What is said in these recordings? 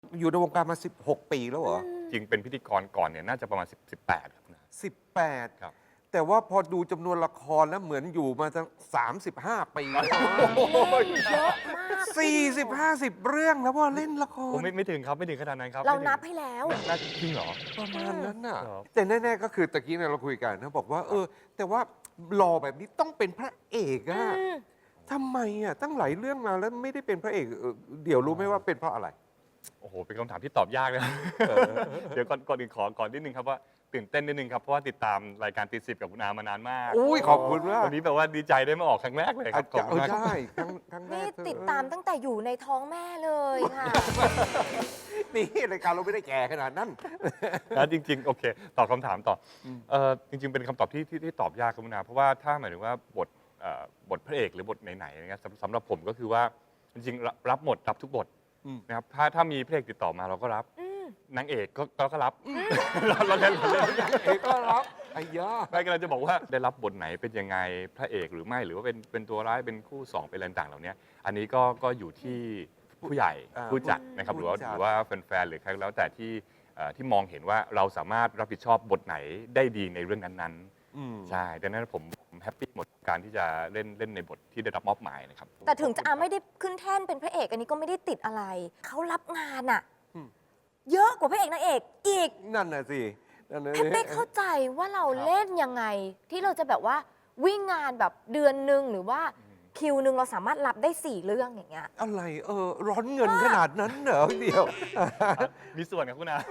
อยู่ในวงการมา16 ปีแล้วเหรอจริงเป็นพิธีกรก่อนเนี่ยน่าจะประมาณ18ครับนะ 18 ครับแต่ว่าพอดูจำนวนละครแล้วเหมือนอยู่มาตั้ง35 ปีแล้วเยอะมาก 40-50 เรื่องแล้วว่าเล่นละคผมรไม่ถึงครับไม่ถึงขนาดนั้นครับเราไม่ถึงนับให้แล้วน่าจริงเหรอประมาณนั้นน่ะครับแต่แน่ๆก็คือตะกี้เนี่ยเราคุยกันนะบอกว่าแต่ว่าหล่อแบบนี้ต้องเป็นพระเอกอะทำไมอะตั้งหลายเรื่องมาแล้วไม่ได้เป็นพระเอกเดี๋ยวรู้ไหมว่าเป็นเพราะอะไรโอ้โหเป็นคำถามที่ตอบยากเลย เดี๋ยวก่อนอื่นก่อนนิดนึงครับว่าตื่นเต้นนิดนึงครับเพราะว่าติดตามรายการตีสิบกับคุณอามานานมากอุ้ยขอบคุณมากวันนี้แบบว่าดีใจได้มาออกครั้งแรกเลยครับขอบคุณมากครับใช่ครั้งแรนี่กติดตามตั้งแต่อยู่ในท้องแม่เลยค่ะนี่รายการเราไม่ได้แก่ขนาดนั้นนะจริงๆโอเคตอบคำถามต่อจริงๆเป็นคำตอบที่ตอบยากครับคุณอาเพราะว่าถ้าหมายถึงว่าบทพระเอกหรือบทไหนๆนะครับสำหรับผมก็คือว่าจริงๆรับหมดรับทุกบทนะครับถ้ามีพระเอกติดต่อมาเราก็รับนางเอกก็รับเราเล่นเอกก็รับไอ้ยาไม่กำลังจะบอกว่าได้รับบทไหนเป็นยังไงพระเอกหรือไม่หรือว่าเป็นตัวร้ายเป็นคู่สองเป็นอะไรต่างๆเหล่านี้อันนี้ก็อยู่ที่ผู้ใหญ่ผู้จัดนะครับหรือว่าแฟนๆหรือใครก็แล้วแต่ที่มองเห็นว่าเราสามารถรับผิดชอบบทไหนได้ดีในเรื่องนั้นๆใช่ดังนั้นผมแฮปปี้หมดการที่จะเล่นในบทที่ได้รับมอบหมายนะครับแต่ถึงจะไม่ได้ขึ้นแท่นเป็นพระเอกอันนี้ก็ไม่ได้ติดอะไรเขารับงานอะเยอะกว่าพระเอกนางเอกอีกนั่นน่ะสินั่นน่ะแพทย์ไม่เข้าใจว่าเราเล่นยังไง ที่เราจะแบบว่าวิ่งงานแบบเดือนหนึ่งหรือว่าคิวหนึ่งเราสามารถรับได้4 เรื่องอย่างเงี้ยอะไรร้อนเงินขนาดนั้นเหรอเดียวมีส่วนครับคุณอา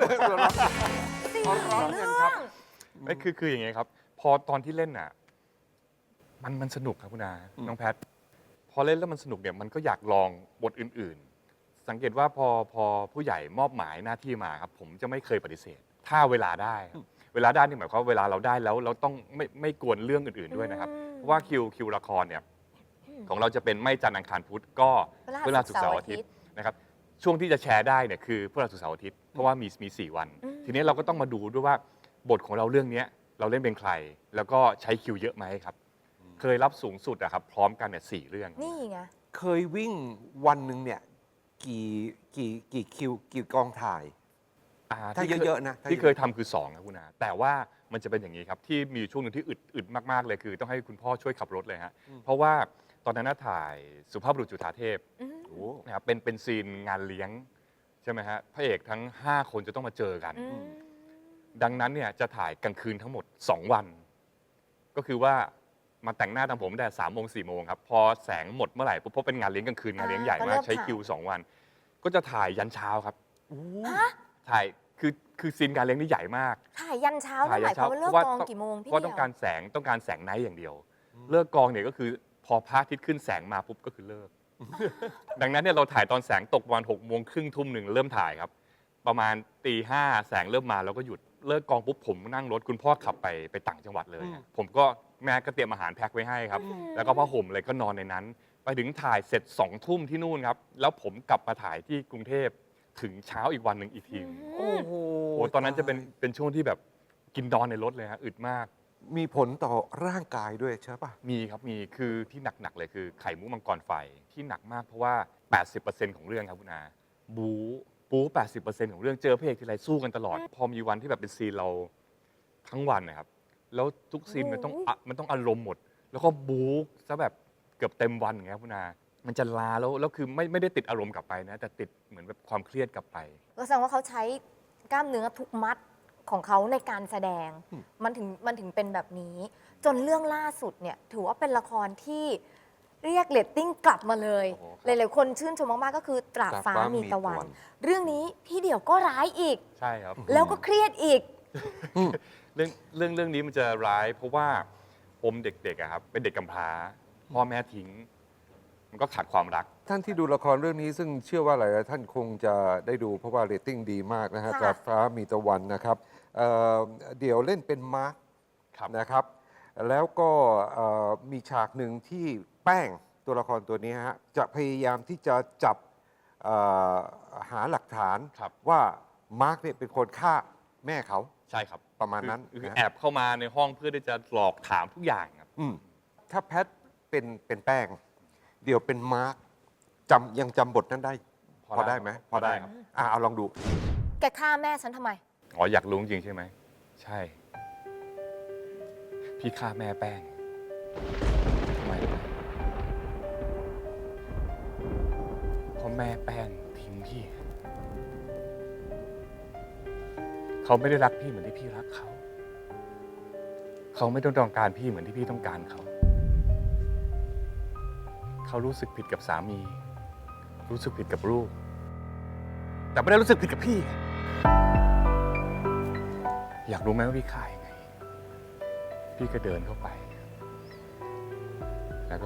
4 ร้อนเรื่เงินอครับงไม่คืออย่างเงี้ยครับ พอตอนที่เล่นน่ะมันสนุกครับคุณอาน้องแพท พอเล่นแล้วมันสนุกเนี่ยมันก็อยากลองบทอื่นๆ สังเกตว่าพอผู้ใหญ่มอบหมายหน้าที่มาครับผมจะไม่เคยปฏิเสธ ถ้าเวลาได้ครับเวลาได้นี่หมายความว่าเวลาเราได้แล้วเราต้องไม่กวนเรื่องอื่นๆด้วยนะครับ เพราะว่าคิวละครเนี่ยของเราจะเป็นไม่จันทร์อังคารพุธก็พฤหัสศุกร์เสาร์อาทิตย์นะครับช่วงที่จะแชร์ได้เนี่ยคือพฤหัสศุกร์เสาร์อาทิตย์เพราะว่ามี4 วัน ทีนี้เราก็ต้องมาดูด้วยว่าบทของเราเรื่องนี้เราเล่นเป็นใคร แล้วก็ใช้คิวเยอะไหมครับเคยรับสูงสุดอะครับพร้อมกันเนี่ย4 เรื่องนี่ไงเคยวิ่งวันหนึ่งเนี่ยกี่คิวกี่กองถ่าย ถ้าเยอะๆนะที่เคยทำคือ2ครับคุณอาแต่ว่ามันจะเป็นอย่างนี้ครับที่มีช่วงหนึ่งที่อึดมากๆเลยคือต้องให้คุณพ่อช่วยขับรถเลยฮะเพราะว่าตอนนั้นน่าถ่ายสุภาพบุรุษจุฑาเทพนะครับเป็นซีนงานเลี้ยงใช่ไหมฮะพระเอกทั้ง5 คนจะต้องมาเจอกัน ดังนั้นเนี่ยจะถ่ายกลางคืนทั้งหมด2 วัน ก็คือว่ามาแต่งหน้าทำผมแต่3 โมง 4 โมงครับพอแสงหมดเมื่อไหร่ปุ๊บเพราะเป็นงานเลี้ยงกลางคืนงานเลี้ยงใหญ่มากใช้คิว2 วัน ก็จะถ่ายยันเช้าครับถ่ายคือซีนการเลี้ยงนี่ใหญ่มากถ่ายยันเช้านั่นหมายความว่าเลิกกองกี่โมงพี่เพราะต้องการแสงไนท์อย่างเดียว เลิกกองเนี่ยก็คือพอพระอาทิตย์ขึ้นแสงมาปุ๊บก็คือเลิก ดังนั้นเนี่ยเราถ่ายตอนแสงตกวัน6 โมงครึ่งทุ่มหนึ่งเริ่มถ่ายครับ ประมาณตี 5แสงเริ่มมาเราก็หยุดเลิกกองปุ๊บผมนั่งรถคุณพ่อขับไปต่างจังหวัดเลยผมก็แม่ก็เตรียมอาหารแพ็คไว้ให้ครับ แล้วก็ผ้าห่มอะไรก็นอนในนั้น ไปถึงถ่ายเสร็จ2 ทุ่มที่นู่นครับแล้วผมกลับมาถ่ายที่กรุงเทพถึงเช้าอีกวันหนึ่งอีกทีโอ้โหโอ้ตอนนั้นจะเป็นช่วงที่แบบกินนอนในรถเลยฮะอึดมากมีผลต่อร่างกายด้วยใช่ป่ะมีครับมีคือที่หนักๆเลยคือไข่มุกมังกรไฟที่หนักมากเพราะว่า 80%ของเรื่องครับคุณอาบู๊80%ของเรื่องเจอพระเอกทีไรสู้กันตลอด พอมีวันที่แบบเป็นซีนเราทั้งวันนะครับแล้วทุกซีนมันต้องอารมณ์หมด แล้วก็บู๊ซะแบบเกือบเต็มวันอย่างเงี้ยคุณอามันจะลาแล้วคือไม่ได้ติดอารมณ์กลับไปนะแต่ติดเหมือนแบบความเครียดกลับไปก็แสดงว่าเขาใช้กล้ามเนื้อทุกมัดของเขาในการแสดงมันถึงเป็นแบบนี้ จนเรื่องล่าสุดเนี่ยถือว่าเป็นละครที่เรียกเรตติ้งกลับมาเลยโอ้โหหลายๆคนชื่นชมมากๆก็คือตราบฟ้ามีตะวัน เรื่องนี้พี่เดี่ยวก็ร้ายอีกใช่ครับแล้วก็เครียดอีกเรื่องนี้มันจะร้ายเพราะว่าผมเด็กๆอะครับเป็นเด็กกำพร้าพ่อแม่ทิ้ง มันก็ขาดความรักท่านที่ดูละครเรื่องนี้ซึ่งเชื่อว่าหลายๆท่านคงจะได้ดูเพราะว่าเรตติ้งดีมากนะฮะค่ะตราบฟ้ามีตะวันนะครับเดี๋ยวเล่นเป็นมาร์คครับนะครับ แล้วก็มีฉากหนึ่งที่แป้งตัวละครตัวนี้ฮะจะพยายามที่จะจับเอ่อหาหลักฐานครับว่ามาร์คเนี่ยเป็นคนฆ่าแม่เขาใช่ครับประมาณนั้นคือนะแอบเข้ามาในห้องเพื่อที่จะหลอกถามทุกอย่างครับถ้าแพทเป็นแป้ง เดี๋ยวเป็นมาร์คยังจำบทนั้นได้พพอได้ไหมพอได้ครับเอาลองดูแกฆ่าแม่ฉันทำไมอ๋ออยากรู้จริงๆใช่ไหม ใช่ พี่ฆ่าแม่แป้งทำไมรู้ไหมเพราะแม่แป้งทิ้งพี่ เขาไม่ได้รักพี่เหมือนที่พี่รักเขา เขาไม่ต้องการพี่เหมือนที่พี่ต้องการเขา เขารู้สึกผิดกับสามี รู้สึกผิดกับลูก แต่ไม่ได้รู้สึกผิดกับพี่ อยากรู้ไหมว่าพี่ฆ่ายังไง พี่ก็เดินเข้าไป แล้วก็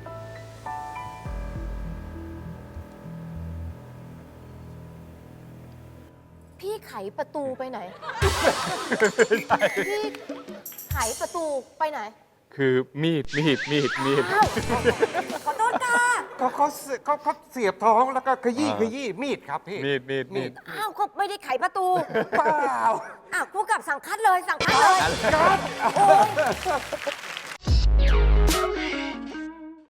พี่ไขประตูไปไหน พี่ไขประตูไปไหนคือมีดอ้าว ขอโทษค่ะเขาเสียบท้องแล้วก็ขยี้มีดครับพี่มีดอ้าวก็ไม่ได้ไขประตูเปล่าอ้าวผู้กำกับสั่งคัดเลยสั่งคัดเลยครับโอ้ย